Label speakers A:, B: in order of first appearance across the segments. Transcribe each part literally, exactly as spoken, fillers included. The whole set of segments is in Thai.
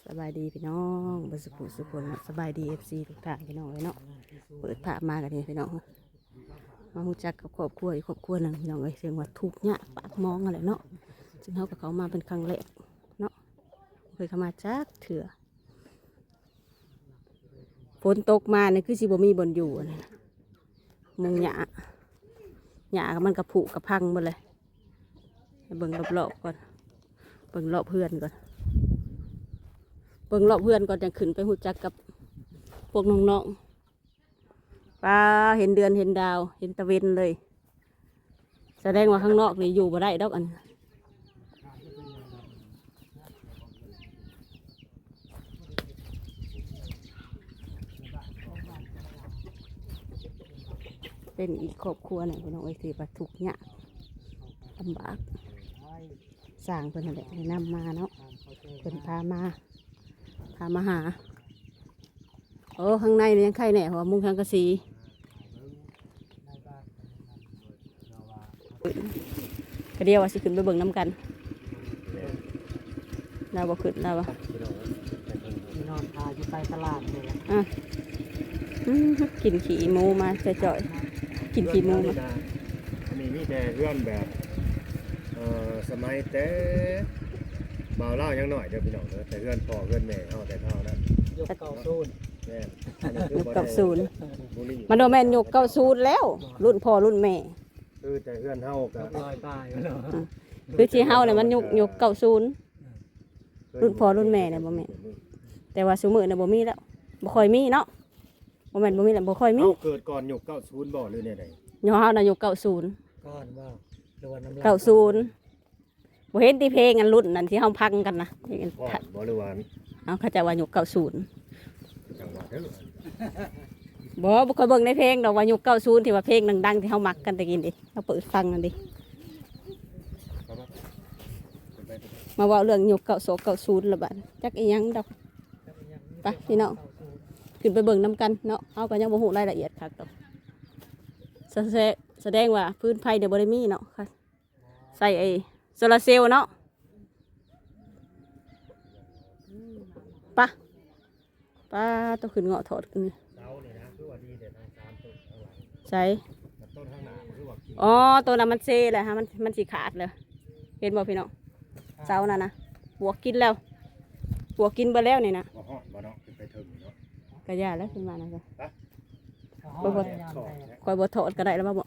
A: สบายดีพี่น้องบสุขุสุขคนสบายดีเอฟซีทุกท่านพี่น้องเลยเนาะเปิดภาพมากันนี่พี่น้องมาหูจักกับครอบครัวอีกครอบครัวหนึ่งพี่น้องเลยเสียงว่าทุกข์เนี่ยปากมองอะไรเนาะจึงเขากับเขามาเป็นครั้งแรกเนาะเคยเข้ามาจักเถื่อฝนตกมาเนี่ยคือสิบ่มีบนอยู่นะมุงหยาหยามันกระผุกระพังหมดเลยเบิ่งรอบๆก่อนเบิ่งรอบเพื่อนก่อนเบิ่งรอบเพื่อนก่อนจะขึ้นไปหูจักกับพวกน้องๆป้าเห็นเดือนเห็นดาวเห็นตะเวนเลยแสดงว่าข้างนอกนี่อยู่บ่ได้ดอกอันเป็นอีกครอบครัวหนึ่งพี่น้องไอ้ที่ว่าทุกข์ยากลำบากสร้างเพิ่นนั่นแหละให้นำมาเนาะเพิ่นพามาพามาหาโอ้ข้างในนี่ยังไข่แหน่หัวมุงทางกระสีกระเดียวว่าสิขึ้นไปเบิ่งน้ำกันเราบ่ขึ้นเราบ่
B: นอนพาอยู่ไปตลาดเลย
A: อ่ะกินขี้หมูมาจ่อยๆกินขี้หมูมา
C: อันนี้มีแต่เพื่อนแบบเอ่อสมัยแต่เบาเล่ายังหน่อยเดี๋ยวพี่น้องเด้อแต่เพื่อนพ่อเพื่อนแม่เอาแต่เท่านั้น
B: ยกเก่าซูน
C: แม่
A: ยกเก้าศูนย์มันโดนแม่นยกเก้าศูนย์แล้วรุ่นพ่อรุ่นแม่
C: คือแต่เพื่อนเฮากับ
B: ลอยปลายเนาะ
A: คือที่เฮาเนี่ยมันยกยกเก้าศูนย์รุ่นพ่อรุ่นแม่เนี่ยบ่แม่นแต่ว่าซุมื้อเนี่ยบ่มีแล้วบ่ค่อยมีเนาะบ่แม่นบ่มีแล้วบ่ค่อยมี
C: เฮาเกิดก่อนยกเก้าศูนย์บ่หรือแนวใด
A: ยอเฮาน่ะยกเก้าศูนย์
B: ก้อนว่าหรือว่าน้ำลาย
A: เก้าศูนย์บ่เห็นที่เพลงอันรุ่นนั้นที่เฮาพังกันนะ
C: พ่อบ่หรือว่า
A: เฮาเขาจะว่ายกเก้าศูนย์
C: จังหวัดเด้อ
A: บ่บ่เคยเบิ่งในเพลงดอกว่ายกเก้าศูนย์ที่ว่าเพลงดังๆที่เฮามักกันตะกี้ดิเฮาเปิดฟังกันดิมาเว้าเรื่องยกเก้าโศกเก้าศูนย์ละบาดจักอีหยังดอกไปพี่น้องขึ้นไปเบิ่งนำกันเนาะเฮาก็ยังบ่ฮู้รายละเอียดคักดอกแสดงว่าพื้นไผเดี๋ยวบ่ได้มีเนาะค่ะใส่ไอ้โซลาร์เซลล์เนาะปะป้าต้องขึ้นเงาะถอดกันนี่ใช่อ๋อตัวนั้นมันเซ่เลยฮะมันมันสีขาดเลยเห็นบ่พี่น้องเสาน่ะนะบวกกินแล้วบวกกินไปแล้วนี่นะกระยาแล้วขึ้นมานะจ๊ะคอยบดคอยบดถอดก็ได้แล้วมาบอก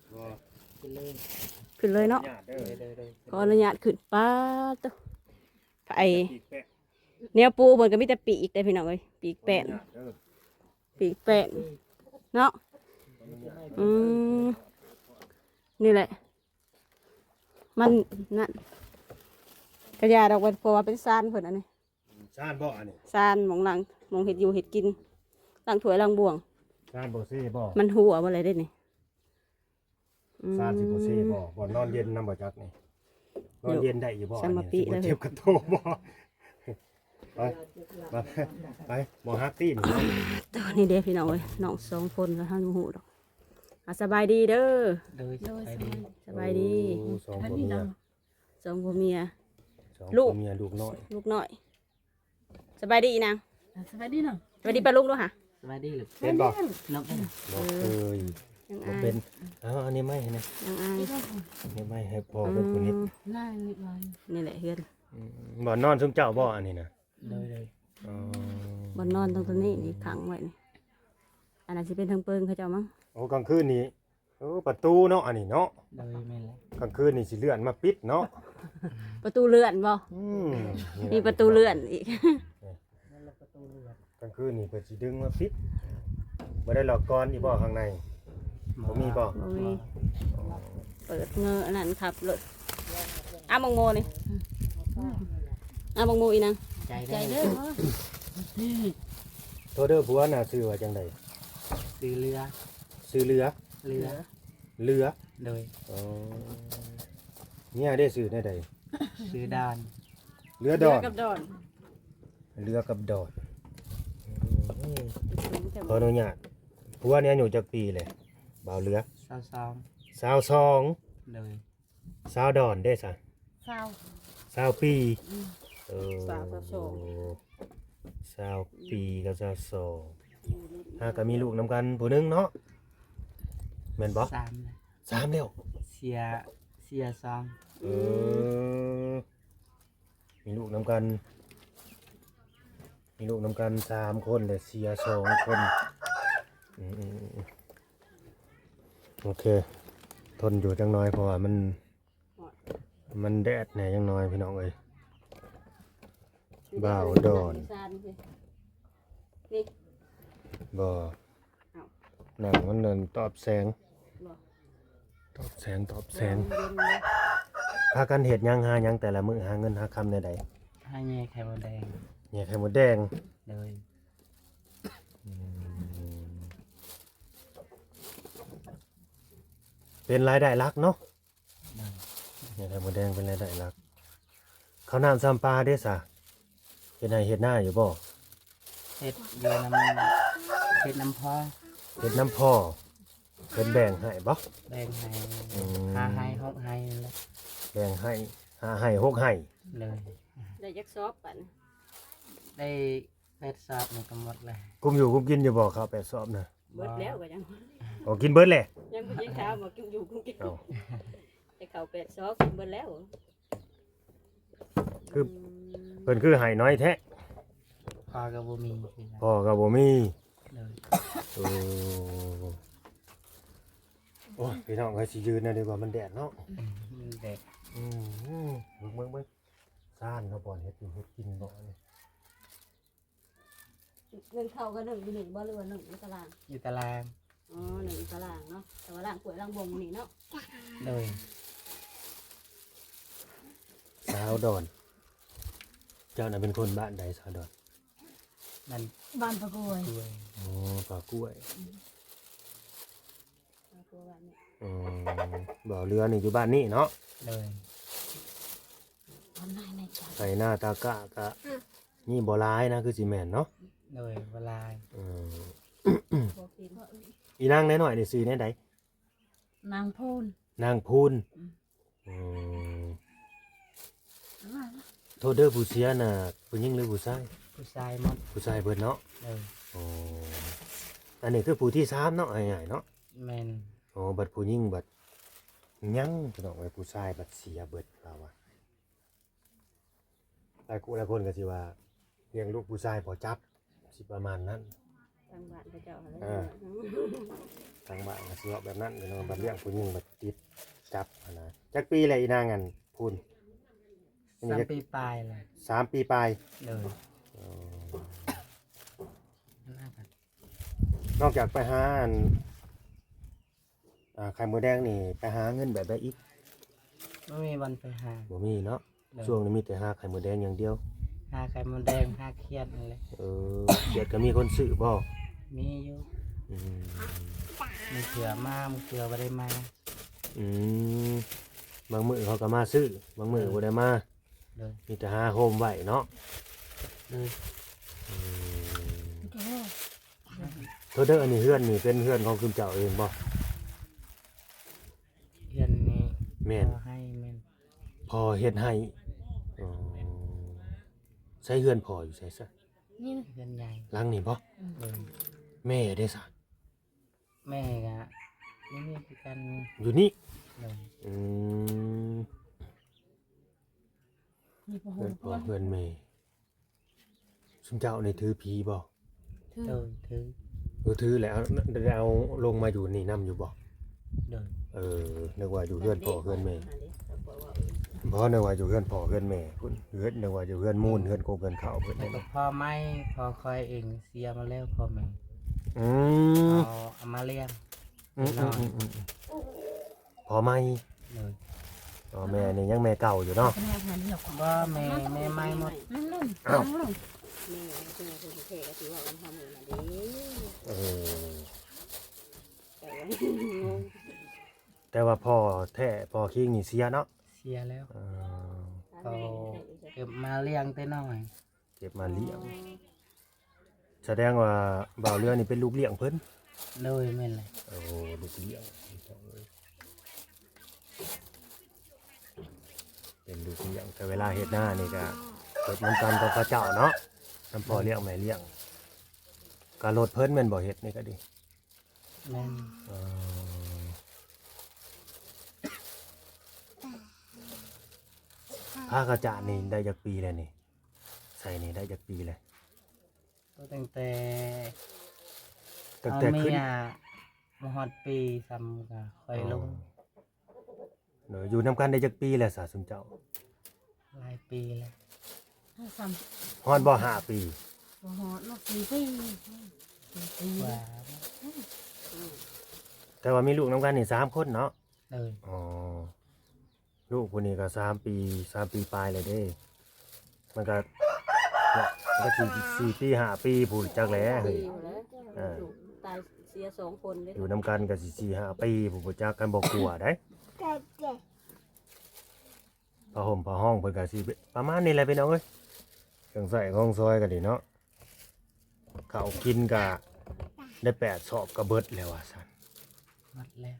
A: ขึ้นเลยเนาะก็อนุญาตขึ้นป้าตัวไอเนื้อปูเหมือนกับมีแต่ปีกแต่พี่น้องเลยปีกแป้นปีกแป้นเนาะอืมนี่แหละมันนั่นกระยาดอกเป็นเพราะว่าเป็นซานเพิ่นอันนี้
C: ซานบ่อันนี้
A: ซานหมองหลังหมองเห็ดอยู่เห็ดกินหลังถ้วยหลังบ่วง
C: ซานบ่ซี่บ่
A: มันหัวบ่อะไรได้นี่
C: ซานสิบ่ซี่บ่บ่นอนเย็นนำบ่จักนี่นอนเย็นได้อยู่บ่อันนี้บ่เจ็บกระโตบ่ไปไปไปบ่ฮักตี้นี่
A: ตัวนี้เด้พี่น้องเอ้ยน้องสองคนแล้วท่านบ่ฮู้ดอกอ่ะสบายดีเด้อสบายดี
C: สองคนเมีย
A: สองผัวเมีย
C: ลูกเมียลูกน้อย
A: ลูกน้อยสบายดีนาง
B: สบายดีเนาะ
A: สบายดีป้าลูกด้วยค่ะ
B: สบายดีหรือ
C: เป็นบ่
B: น้องเป็น
C: บ่เคยบ่เป็นอ้าวอันนี้ไม่นะ
A: ยังอาย
C: อันนี้ไม่ให้พ่อเป็นคนนิด
A: นี่แหละเฮือน
C: บ่นอนซุมเจ้าบ่อันนี้นะ
B: เลยเลย
C: อ๋อ
A: บ่นอนตรงตัวนี้นี่ขังไว้นี่อันนั้นสิเป็นทางเปิงเขาเจ้ามั้ง
C: โอ้กลางคืนนี้โอ้ประตูเนาะอันนี้เนาะ
B: เลยแม่นแล้ว
C: กลางคืนนี่สิเลื่อนมาปิดเนาะ
A: ประตูเลื่อนบ่มีประตูเลื่อนอีก
C: กลางคืนนี่เพิ่นสิดึงมาปิดบ่ได้หลอกกรอีบ่ข้างในบ่มีบ่
A: บ่มีเปิดเงออันนั้นครับรถอ้าบังโมนี่อ้าบังโมอีนาง
B: ใจเด้อ
C: โทเด้อผัวน่ะชื่อว่าจังได๋
B: ซื้อเรือ
C: ซื้อเรือ
B: เรือ
C: เรือ
B: เลย
C: อ๋อเนี่ยได้ซื้อได้ใด
B: ซื้อดาน
C: เรือดอน
A: กับดอน
C: เรือกับดอนขออนุญาตผัวเนี่ยอายุจักปีเลยบ่าวเรือ
B: สาวสอง
C: สาวสอง
B: เลย
C: สาวดอนได้ซะ
A: สาว
C: สาวปี
A: เออสาวสาวสอง
C: สาวปีกับสาวสองหาก็มีลูกนํกันผู้หนึงเนาะแม่นบ่
B: สามเลย
C: สามแล้ว
B: เสียเสียสอง
C: เออมีลูกนํกัน มีลูกนํกันสามคนแต่เสียสองคนอืมโอเคทนอยู่จังน้อยเพราะว่ามันมันแดดแหน่จังน้อยพี่น้องเอ้ยบ่าวดอน
A: นี่
C: บ่หนังมันเดินตอบแสง
A: บ่
C: ตอบแสงตอบแสงพากันเฮ็ดหยังหาหยังแต่ละมื้อหาเงินหาคำใด
B: ให้แง่ไข่มดแดง
C: ๆเนี่ยไข่มดแดง
B: เลย
C: อืมเป็นรายได้หลักเนาะ
B: เลย
C: เนี่ยไข่มดแดงเป็นรายได้หลักข้าวน้ำซ้ำปลาเด้ซะเฮ็ดให้เฮ็ดหน้าอยู่บ่
B: เฮ็ดเรือน้ำเฮ็ดน้ำพอ
C: เฮ็ดน้ำพ่อเพิ่นแบ่งให้บ่
B: แบ่งให้
C: อืม
B: หาให้หกให้นั่นแหละ
C: แบ่งให้หาให้หกให้
B: เลย
A: ได้ยักซอบปัน
B: ได้แปดสอบมันก็หมดเลย
C: กุมอยู่กุมกินอยู่บ่ข้าวแปดซอบน่ะ
A: เบิดแล้วก็ยัง
C: อ๋อกินเบิดแหละ
A: ยังบ่ยังข้าวบ่กินอยู่กินกิน
C: เอ้า
A: แต่ข้าวเป็ดซอบกินเบิดแล้ว
C: คือเพิ่นคือให้น้อยแท้
B: พอก็บ่มีคือกัน
C: พ่อก็บ่มี
B: เลย
C: โอ้โอ้ยพี่น้องก็สิยืนนะดีกว่ามันแดดเนาะ
B: มันเด็ก
C: อืมอืมเบิ่งเบิ่งเบิ่งซ่านเนาะบ่อนเฮ็ดอยู่เฮ็ดกินบ่นี่
A: เงินเข้าก็หนึ่งอยู่หนึ่งบ่หรือว่าหนึ่งอยู่ตาราง
B: อยู่ตาราง
A: อ๋อหนึ่งอยู่ตารางเนาะแต่ว่าล่างป่วยล่างบวมนี่เนาะ
B: เลย
C: สาวดอน เจ้าน่ะเป็นคนบ้านใดสาวดอน
B: มัน
A: บ้านประกวย
B: ด้วย
C: อ๋อปลากล้วย
A: ประกวยบ้านนี่
C: อืมบ่อเรือนี่อยู่บ้านนี่เนาะ
B: เลย
A: บ้านนายในใจ
C: ใส่หน้าตากะกะนี่บ่ร้ายนะคือสิแม่นเนาะ
B: เลยเวลา
C: อืม
A: บ่กิน
C: อีนางน้อยๆนี่ซื้อแน่ใด
A: นางพูน
C: นางพูนอืมโทษเด้อผู้เสียน่ะผู้หญิงหรือผู้ชาย
B: ผู้ชายหมด
C: ผู้ชายเบิดเนาะ
B: เลย
C: อ๋ออันนี้คือผู้ที่สามเนาะง่ายๆเนาะ
B: แมน
C: อ๋อบัดผู้หญิงบัดยังพี่น้องไว้ผู้ชายบัดเสียเบิดเราอะหลายคนหลายคนก็สิว่าเลี้ยงลูกผู้ชายพอจับสิประมาณนั้น
A: ทางบ้านพระเจ้าอะไร
C: เออ ทางบ้านก็สิว่าแบบนั้นพี่น้องบัดเลี้ยงผู้หญิงบัดติดจับหั้นนะจักปีแหละอีนางอันพูนอัน
B: สา
C: นี้
B: ม
C: จัก
B: ปีปลายเลย
C: สามปีปลาย
B: เลย
C: อ๋อ
B: น่าจะ
C: นอกจากไปหาอันอ่าไข่มดแดงนี่ไปหาเงินแบบใดอีก
B: ไม่มีวันไปหา
C: บ่มีเนาะ
B: เลย
C: ช่วงนี้มีแต่หาไข่มดแดงอย่างเดียว
B: หาไข่มดแดงหาเครียดนั่นเลย
C: เออเดี๋ยวก็มีคนซื้อบ่
B: มีอยู่
C: อืม
B: มีเสือมามีเสือบ่ได้มา
C: อืมบางมื้อเขาก็มาซื้อบางมื้อบ่ได้มา
B: เลย
C: มีแต่หาโฮมไว้เนาะ
B: เลย
C: อืมโทษเด้ออันนี้เฮือนนี่เป็นเฮือนของคุณเจ้าเองบ่
B: เพื่อนนี่
C: แม่น
B: ขอให้แม่น
C: พอเฮ็ดให้อ๋อใช้เฮือนพออยู่ใส่ซะ
A: นี่
B: เพื่อนใหญ่
C: หลังนี่บ่
B: เลย
C: แม่ได้ซะ
B: แม่ก็นี่นี่คือกัน
C: อยู่นี่
B: เลย
C: อืมเฮือนพ่อเฮือนแม่ซุมเจ้านี่ถือผีบ่
B: เลยถือ
C: เออถือแล้วได้เอาลงมาอยู่นี่นํอยู่บ่
B: เลย
C: เออนึกว่าอยู่เฮือนพ่อเฮือนแม่บ่นึกว่าอยู่เฮือนพ่อเฮือนแม่พุ่นเฮือนนึกว่าอยู่เฮือนมูลเฮือนโกเฮือนข้าวเพิ่น
B: แต่
C: นั่น
B: ก็พ่อไม่พอคอยเองเสียมาแล้วพ่อแม่
C: อืม
B: เอาเอามาเลี้ยง
C: อืมอืมอืมอืมพอไหม
B: เลย
C: อ๋อแม่นี่ยังแม่เก่าอยู่เนาะ
B: ว่าแม่แม่ไม่หมด
C: อ้าว
A: แม่คือคือเทก็ถือว่าวันทำมือน่ะดิ
C: เออ
A: แต่ว่างง
C: แต่ว่าพ่อแท้พ่อคิงนี่เสียเนาะ
B: เสียแล้ว
C: เออ
B: เขาเก็บมาเลี้ยงแต่น้อย
C: เก็บมาเลี้ยงแสดงว่าบ่าวเรือนี่เป็นลูกเลี้ยงเพิ่น
B: เลยแม่นเลย
C: โอ้ลูกเลี้ยงเป็นลูกเลี้ยงแต่เวลาเฮ็ดหน้านี่ก็เฮ็ดเหมือนกันกับพระเจ้าเนาะน้ำพ่อเลี้ยงแม่เลี้ยงกะรถเพิ่นแม่นบ่เฮ็ดนี่ก็ดี
B: แม่น
C: เอ่อผ้ากระจาดนี่ได้จากปีแล้วนี่ใส่นี่ได้จากปีเลย
B: ก็ตั้งแต่
C: ตั้ง
B: เอา
C: แต่
B: เมี
C: ขึ้น
B: ยมาฮอดปีซ้ำก็ค่อยลง
C: เนอะอยู่นำกันได้จากปีแล้วสาสุนเจ้า
B: หลายปีแล้ว
D: ถ้าซ้
C: ฮอดบ่ห้าปี
D: ำบ่ฮอดลูกสี่ปีสี่ปี
B: กว่า
C: แต่ว่ามีลูกนำกันนี่สามคนเนาะ
B: เลย
C: อ๋อลูกคนนี้ก็สามปีสามปีปลายเลยเด้ มันก็เนี่ยมันก็สี่สี่ปีห้าปีพูดจักแหล้เฮ้ย
A: ดีอยู่แล้ว
C: เออ
A: ลูกตายเสียสองคนเลย
C: อยู่นำกันก็สี่สี่ห้าปีผู้บ่จักกันบ่กลัวได้ผ้าห่มผ้าห้องเพิ่นก็สิประมาณนี้แหละพี่น้องเอ้ยเครื่องใส่ของซอยก็ดีเนาะข้าวกินก็ได้แปดสอบก็เบิดแล้วว่าซั่น
B: หมดแล้ว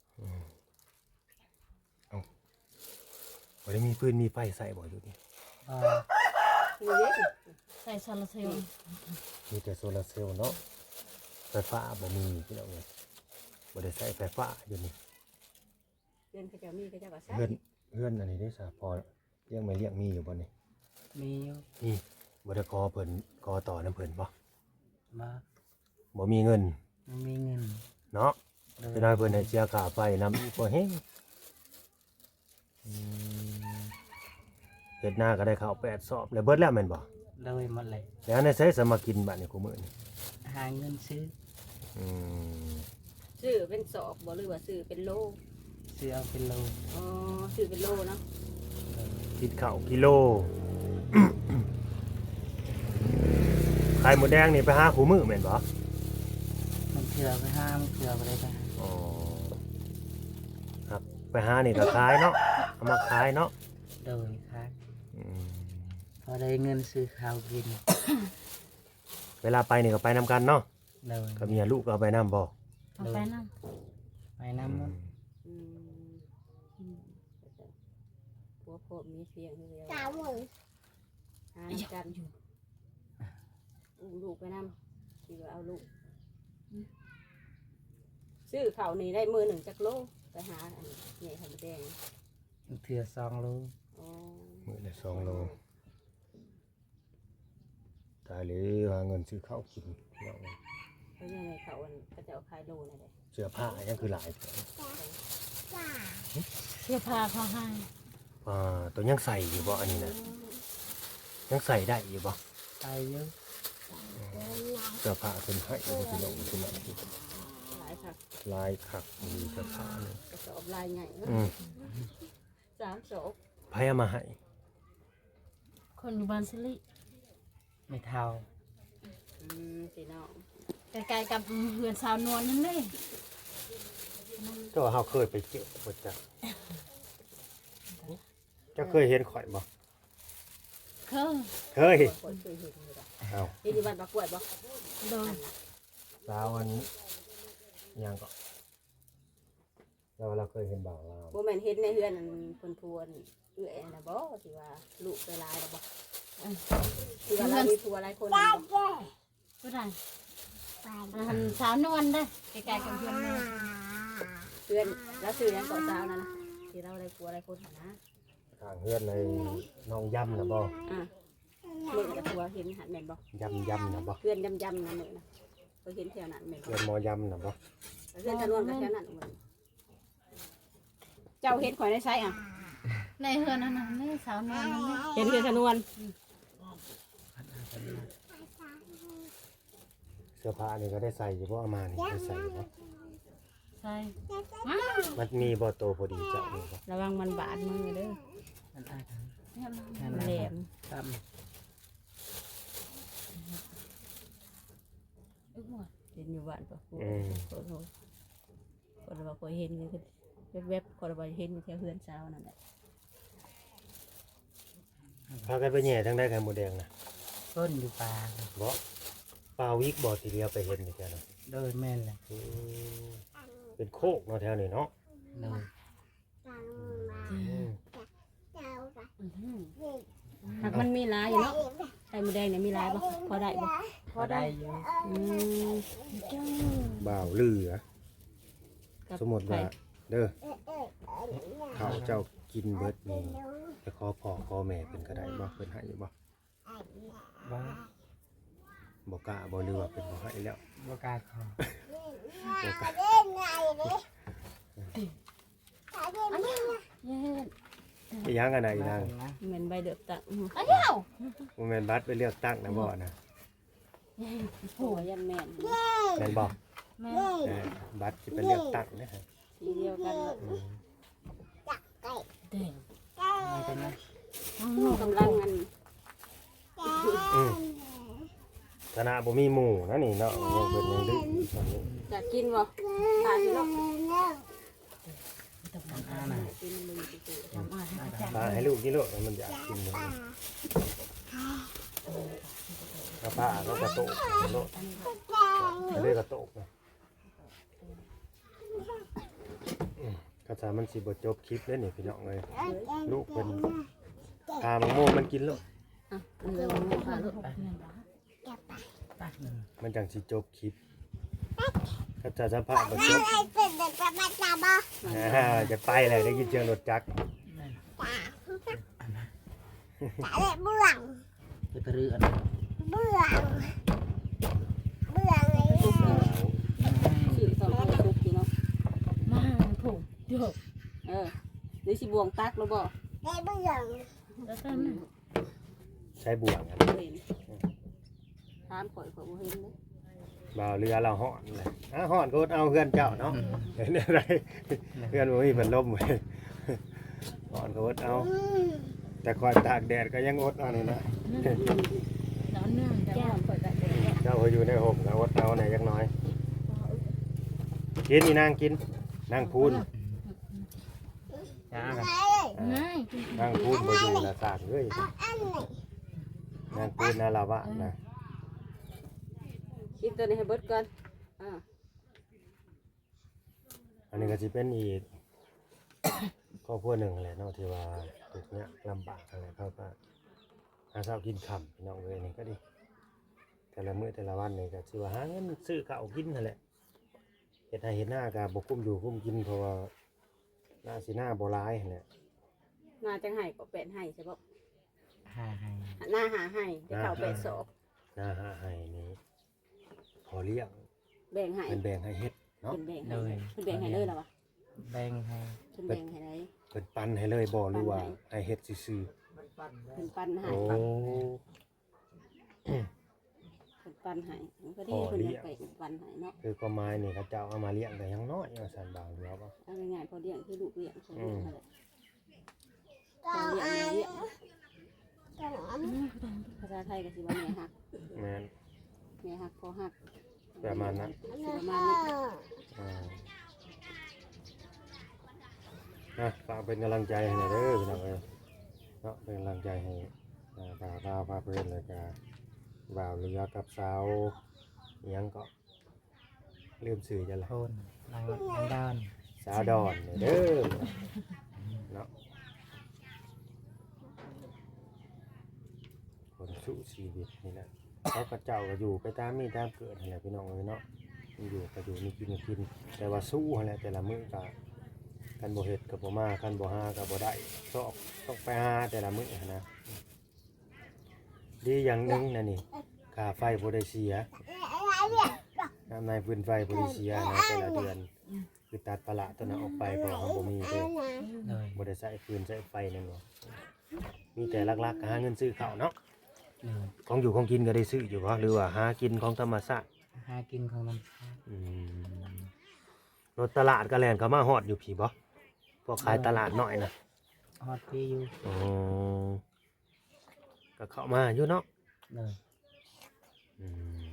C: บ่ได้มีปืนมีไฟใส่บ่อยู่นี่
B: ก็
A: มีเยอะ
D: ใส่ซาลาเซลล์
C: มีแต่โซลาร์เซลล์เนาะไฟฟ้าบ่มีพี่น้องเอ้ยบ่ได้ใช้ไฟฟ้าอยู่นี่
A: เดือนเขาจะมีเขาจะก็ใช้
C: เพื่อนเพื่อนอันนี้ได้สาพอเลี้ยงไม่เลี้ยงมีอยู่บ่นี่
B: มีอยู่
C: นี่บ่ได้ขอเพิ่นขอต่อน้ำเพิ่นบ่
B: มา
C: บ่มีเงิน
B: ไม่มีเงิน
C: เนาะ
B: เลย
C: จะได้เพิ่นให้เสียค่าไฟนำอีกบ่แฮงอืมเฮ็ดหน้าก็ได้ข้าวแปดสอบแล้วเบิดแล้วแม่นบ่
B: เลยหมดเลย
C: แล้วในใช้สมากินบัดนี้กูมื้อนี่
B: หาเงินซื้อ
C: อืม
A: ซื้อเป็นสอบบ่หรือว่าซื้อเป็นโล
B: ซื้อเอาเป็นโล
A: อ๋อซื้อเป็นโลเนาะ
C: คิดข้าวกิโล ไข่หมูแดงนี่ไปหาคู่มื้อแม่นบ่
B: มันเถื่อไปห้ามเถื่อไปได้ไปหา
C: อ๋อครับไปหานี่ก็ขายเนาะเอามาขายเนาะ
B: เลยครับ
C: อืม
B: พอได้เงินซื้อข้าวกิน
C: เวลาไปนี่ก็ไปนำกันเนาะ
B: เลย
C: กับเมียลูกก็เอาไปนำบ่
D: เอาไปนั่ง
B: ไปน้ำมัน
A: อืมอืมผัวโคตรมีเสียงเดียว
D: สามหมื่น
A: หากันอุ้มลูกไปนำที่ว่าเอาลูกซื้อข้าวนี่ได้มือหนึ่งจักโลไปหาอันใหญ่ทำแดง
B: เถื่อสองโล
A: อ๋อ
C: มื้อละสองโลตายเลยหาเงินซื้อข้าวกินเนาะ
A: เพราะยังไงเขาอันก็จะเอาขายโลนั่นแหละ
C: เสื้อผ้ายังคือหลายแท้
D: เสื้อผ้าเขาให้
C: อ่าตัวยังใส่อยู่บ่อันนี้นะยังใส่ได้อยู่บ่
B: ไปเยอะ
C: เสื้อผ้าเพิ่นให้อยู่พี่น้องพี่น้อง
A: หลายค่ะ
C: ลายคักมีเสื้อผ้านี่
A: กระสอบลายใหญ่เนอะ
C: อืม
A: สามศพ
C: ไผเอามาให้
D: คนอยู่บ้านสิริ
B: ไม่เท่า
A: อืมพี่น้อง
D: ใกล้ๆกับเฮือนสาวนวลนั่นเลย
C: ก็เฮาเคยไปเจอบ่จักจะเคยเห็นข่อยบ่
D: เคย
C: เคย
A: คนเคยเห็นอยู่ดอก
C: เอ้า
A: เห็นอยู่บ้านปลากล้วยบ่
D: โดน
C: สาวอันยังก็เราเราเคยเห็นบ่าวเรา
A: บ่แม่นเห็นในเฮือนนั่นเพิ่นพวนเอื้อยน่ะบ่ที่ว่าลูกไปหลายแล้วบ่ที่ว่าเรามีผัวหลายคนนั่นบ่
D: ผู้ใดอันสาวนวลได้อใกล้ๆกับเฮือนนวล
A: เพื่อนแล้วซื้อหยังก่อนเช้านั่นน่ะที่เราได้ผัวหลายคนหั่นนะ
C: ทางเฮือนในน้องยำนะบ่
A: อ่ะมื้อกับผัวเห็นหันแม่นบ่
C: ยำยำนะบ่
A: เพื่อนยำๆนั่นมื้อน่ะก็เห็นแถวนั้นแม่นบ่
C: เฮือนหมอยำนะบ่
A: เพื่อนตะนวนก็แถวนั้นหมดเจ้าเห็นข่อยในไสอ่ะ
D: ในเฮือนนั่นน่ะนี่สาวนวลนั่นนี่
A: เห็นเพื่อนตะนวน
C: เสื้อผ้านี่ก็ได้ใส่อยู่บ่เอามานี่ได้ใส่อยู่บ่
D: ใช่
C: มันมีบ่โตพอดีเจ้านี่บ่
A: ระวังมันบาดมือเด้อ
B: อันอาถรรพ์
D: เนี่ยมัน
B: นั่น
A: มัน
B: นะ
A: แหลม
B: ตั้ม
D: อึกหมด
A: เห็นอยู่บ้านปะกู
C: อืม
A: โคตรคนเราเคยเห็นเลยคือแวบๆคนเราเห็นอยู่แถวเฮือนเช้านั่นแหละ
C: พากันไปแหย่ทางใดไข่หมูแดงน่ะ
B: ต้นอยู่ป่า
C: บ่ปลาวิกบ่ทีเดียวไปเห็นอยู่แถวนั้น
B: โดยแม่นเลย
C: อืมเป็นโคกเนาะแถวนี้เนาะ
B: เลย
C: อืม
A: หากมันมีหลายอยู่เนาะแต่ข่มดแดงเนี่ยมีหลายบ่พอได้บ่
B: พอได้อยู่
A: อืม
C: บ่าวลืออะ
A: กับ
C: สมมุติว่า
A: ไข่
C: เด้อเขาเจ้ากินเบิดนี่ไปขอพ่อขอแม่เพิ่นก็ได้บ่เพิ่นให้อยู่บ่
B: ว่า
C: บ่กล้าบ่หรือว่าเพิ่นบ่ให้แล้ว
B: บ่กล้าขอ
C: บ่กล้า อีหยังกันน่ะอีนาง
B: นะ
A: เหมือนใบเดือบตัก
D: เอาเดี๋ยว
C: บ่แม่นบัตรไปเลือกตั้งนะบ่นะ
A: โอ้ยันแม่น
C: แม่นบ่
D: แม่
C: เออบัตรสิไปเลือกตั้งนะฮะ
A: สีเดียวกัน
C: อืม
D: เด้ง
B: มันเป็นนะ
A: กำลังอัน
C: อืมคณะบ่มีหมู่นะนี่เนาะยังเพิ่นยังดื้ออยู่ตอนนี้
A: อยากกินบ่ทานสิลูก
B: อ่าน่ะ
A: กินมึงสิ
C: พาให้ลูกกินลูกมันอยากกินมันกระป้าก็กระโตกโลดเรียกกระโตกนะอืมกระสามันสิบ่จบคลิปเด้อนี่พี่น้องเอ้ยลูกเพิ่นพามังโมมันกินลูก
A: อ่ะเรือมันพาลูก
C: มันจังสิจบคลิปกระสาสัมภาษณ์บ่จบอ่าจะไปเลยได้ยินเสียงรถจักร
B: จะไปรื้ออัน
A: ชื่อสองคนทุกทีเนาะ
D: มาถูกเดี๋ยว
A: เออหรือสิบวงตักแล้วบ่
D: แล้วกัน
C: ใช้บ่วงครับ
A: เห็นถามข่อยข่อยบ่เห็นเลย
C: บ่าวเรือเราห่อนเลยอ่ะห่อนก็อดเอาเพื่อนเจ้าเนาะเห็นอะไรเพื่อนบ่มีเพิ่นล่มเว้ยห่อนก็อดเอา แต่คอยตากแดดก็ยังอดเอานี่นะ
D: นอนเนื่องแก้วเปิดได้
C: เจ้าก็อยู่ในห่มก็อดเอาไหนอยจักหน้อย กินนี่นางกินนางพูน
B: จ้ากัน
D: ง่าย
C: นางพูนบ่อยู่ละสากเอ้ยนางพูนนาลาวะนะ
A: กินตัวนี้ให้เบิดก่อนอ่า
C: อันนี้ก็สิเป็นอีก ครอบครัวหนึ่งแหละเนาะที่ว่าทุกเนี้ยลำบากอะไรเขาก็หาเช้ากินค่ำพี่น้องเอ้ยนี่ก็ดี แต่ละมื้อแต่ละวันนี่ก็สิว่าหาเงินซื้อข้าวกินนั่นแหละเฮ็ดให้เฮ็ดหน้าก็บ่คุ้มอยู่คุ้มกินเพราะว่าหน้าสิหน้าบ่หลายนั่นแหละ
A: นาจังไห้ก็แปดไห้ใช่บ่
B: หาให้
A: หน้าหาไห้จะเข้าแปดศอก
C: หน้าหาให้นี่พอเลี้ยง
A: แบ่งไห้
C: เป็นแบ่งให้เฮ็ดเนาะ
A: เป็นแบ่งไห้เป็นแบ่งไห้เลยเหรอวะ
B: แบ่งให้
A: เป็นแบ่งไห้ไหน
C: เพิ่นปันให้เลยบ่หรือว่าให้เฮ็ดซื่อ
A: เป็นปัน
C: ๆ
A: ไห้
C: โอ้
A: เป็นปันไห้มันก็ดีเพิ่นจะไปเป็นปันไห้เนาะ
C: คือก็ไม้นี่เขาเจ้าเอามาเลี้ยงแต่ยังน้อยว่าซั่นบางเดียวบ่
A: เอาง่ายๆพอเลี้ยงคือลูกเลี้ยงเขาเลี้ยงมาเลยพอเลี้ยงเลี้ยงภาษาไทยก็สิว่าแม่ฮัก
C: แม่น
A: แม่ฮักพอฮัก
C: ประมาณนั้น
A: สิประมาณนี้
C: อ่านะฝากเป็นกำลังใจให้หน่อยเด้อพี่น้องเอ้ยเนาะเป็นกำลังใจให้อ่าบ่าวดาวพาเพื่อนเลยก็บ่าวเรือกับสาวอิหยังก็ลืมสื่อจะละ
B: โทนนางนางดอน
C: สาวดอนเนี่ยเด้อเนาะคนสู้ชีวิตนี่แหละเขากระเจ้าก็อยู่ไปตามมีตามเกิดอะไรพี่น้องเอ้ยเนาะมีอยู่ก็อยู่มีกินก็กิน แต่ว่าสู้อะไรแต่ละมื้อก็กันบ่เฮ็ดกับบ่มากันบ่หากับบ่ได้ชอบต้องไปหาแต่ละมื้อนะดีอย่างหนึงนะนี่ค่าไฟบ่ได้เสียน้ำในพื้นไฟบ่ได้เสียนะแต่ละเดือนคือตัดปลาละตัวนั้นออกไปเพราะเขาบ่มีเด้
B: เลย
C: บ่ได้ใช้ฟืนใช้ไฟนั่นหรอกมีแต่หลักๆก็หาเงินซื้อข้าวเนาะ
B: เลย
C: ของอยู่ของกินก็ได้ซื้ออยู่บ่หรือว่าหากินของธรรมชาติ
B: หากินของมัน
C: อืมรถตลาดก็แล่นเข้ามาฮอดอยู่พี่บ่พวกขายตลาดน้อยนะ
B: ฮอตพี่อยู่
C: อ๋อก็เข้ามาอยู่เนาะ
B: เลย
C: อืม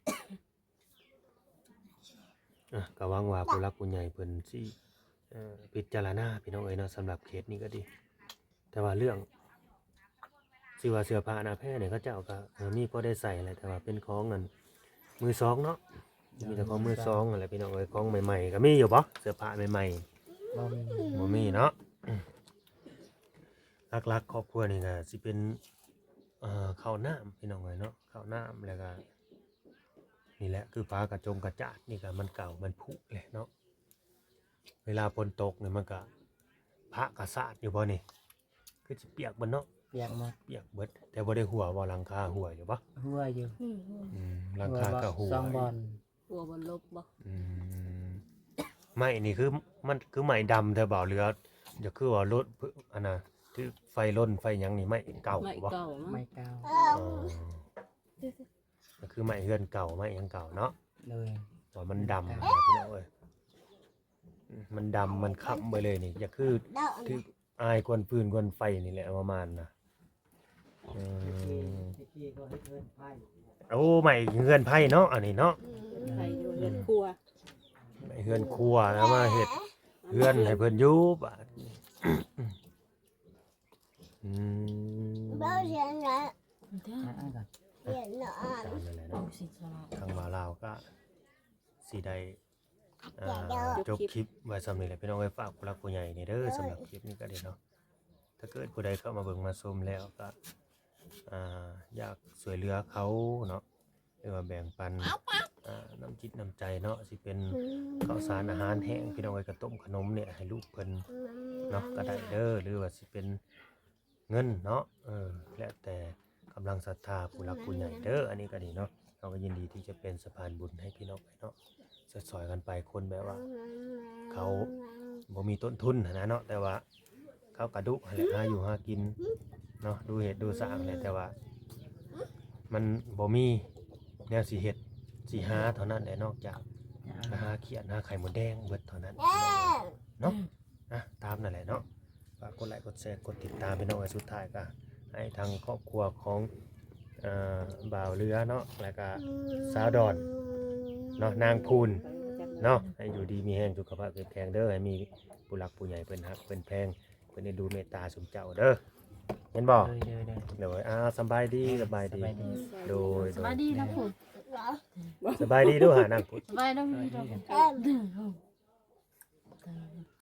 C: อ่ะก็หวังว่าผู้รักผู้ใหญ่เพิ่นสิเอ่อพิจารณาพี่น้องเอ้ยเนาะสำหรับเคสนี้ก็ดี แต่ว่าเรื่องสิว่าเสื้อผ้าหน้าแพร่เนี่ยเขาเจ้าก็เออมีพอได้ใส่แหละแต่ว่าเป็นของเงินมือสองเนาะมีแต่ของมือสองอะไรพี่น้องเอ้ยของใหม่ๆก็มีอยู่บ่เสื้อผ้าใหม่
B: บ่มี
C: ๆบ่มีเนาะหลักๆครอบครัวนี่ก็สิเป็นเอ่อข้าวน้ำพี่น้องเอ้ยเนาะข้าวน้ำแล้วก็นี่แหละคือฟ้ากระจงกระจาดนี่ก็มันเก่ามันผุเลยเนาะเวลาฝนตกเนี่ยมันก็พระกระสาดอยู่บ่นี่คือสิเปียกบ่เนาะ
B: เปียกหมด
C: เปียกเบิดแต่บ่ได้หัวบ่หลังคาหัวอยู่บ่
B: หัวอยู่
C: อืมหลังคาก็หัว
B: สองบอล
A: หัวบนลบบ่
C: อืมไม้นี่คือมันคือไม้ดำแต่บ่เรือจะคือว่ารถอันน่ะที่ไฟล้นไฟหยังนี่ไม้เก่า
A: ไม่
C: บ่
A: เก่ามั้ง
B: ไม่เก่า
C: อ๋อก็คือไม้เฮือนเก่าไม้หยังเก่าเนาะ
B: เลย
C: ว่ามันดำนะพี่น้องเอ้ยอืมมันดำมันค้ำไปเลยนี่จะคือที่อายกวนฟืนกวนไฟนี่แหละประมาณน่ะอืมโอ้ไม้เฮือนไผ่เนาะอันนี้เนาะ
A: ใครอยู่เรือนครัว
C: ไม้เฮือนครัวแล้วมาเฮ็ดเฮือนให้เพิ่นอยู่บาดนี้อืม
E: bao giờ nữa
B: อ่ะอ่ะก่อน
E: tiền nữa
C: ตามนั่นแหละเนาะทางบ่าวลาวก็สิได้อ่าจบคลิปไว้สำนี้แหละพี่น้องไว้ฝากผู้หลักผู้ใหญ่นี่เด้อสำหรับคลิปนี้ก็ได้เนาะถ้าเกิดผู้ใดเข้ามาเบิ่งมาชมแล้วก็อ่าอยากช่วยเหลือเขาเนาะหรือว่าแบ่งปันอ่าน้ำจิตน้ำใจเนาะสิเป็นข้าวสารอาหารแห้งพี่น้องไว้ก็ต้มขนมเนี่ยให้ลูกเพิ่นเนาะก็ได้เด้อหรือว่าสิเป็นเงินเนาะเออแล้วแต่กำลังศรัทธาผู้หลักผู้ใหญ่เด้ออันนี้ก็ดีเนาะเราก็ยินดีที่จะเป็นสะพานบุญให้พี่น้องไปเนาะสอยๆกันไปคนแบบว่า เขาบ่มีต้นทุนหั้นนะเนาะแต่ว่าเขากระดุแหละหาอยู่หากินเนาะดูเห็ดดูสร้างแหละแต่ว่า มันบ่มีแนวสิเฮ็ดสิหาเท่านั้นแหละนอกจากหาเขียดหาไข่มดแดงเบิดเท่านั้นเนาะนะตามนั่นแหละเนาะฝากกดไลค์กดแชร์กดติดตามพี่น้องไว้สุดท้ายก็ให้ทางครอบครัวของเอ่อบ่าวเรือเนาะแล้วก็สาวดอนเนาะนางพูน เนาะให้อยู่ดีมีแห้งสุขภาพแข็งแรงเด้อให้มีผู้หลักผู้ใหญ่เพิ่นฮักเพิ่นแพงเพิ่นได้ดูเมตตาสมเจ้าเด้อเห็นบ่
B: เลยเลยเลย
C: เดี๋ยวอ่าสบายดีสบาย
B: ส
C: ดี
B: บายดี
C: โดย
D: สบายดีนะคุณ
C: สบายดีด้วยหานางพุทธ
D: สบายดีนะคุณ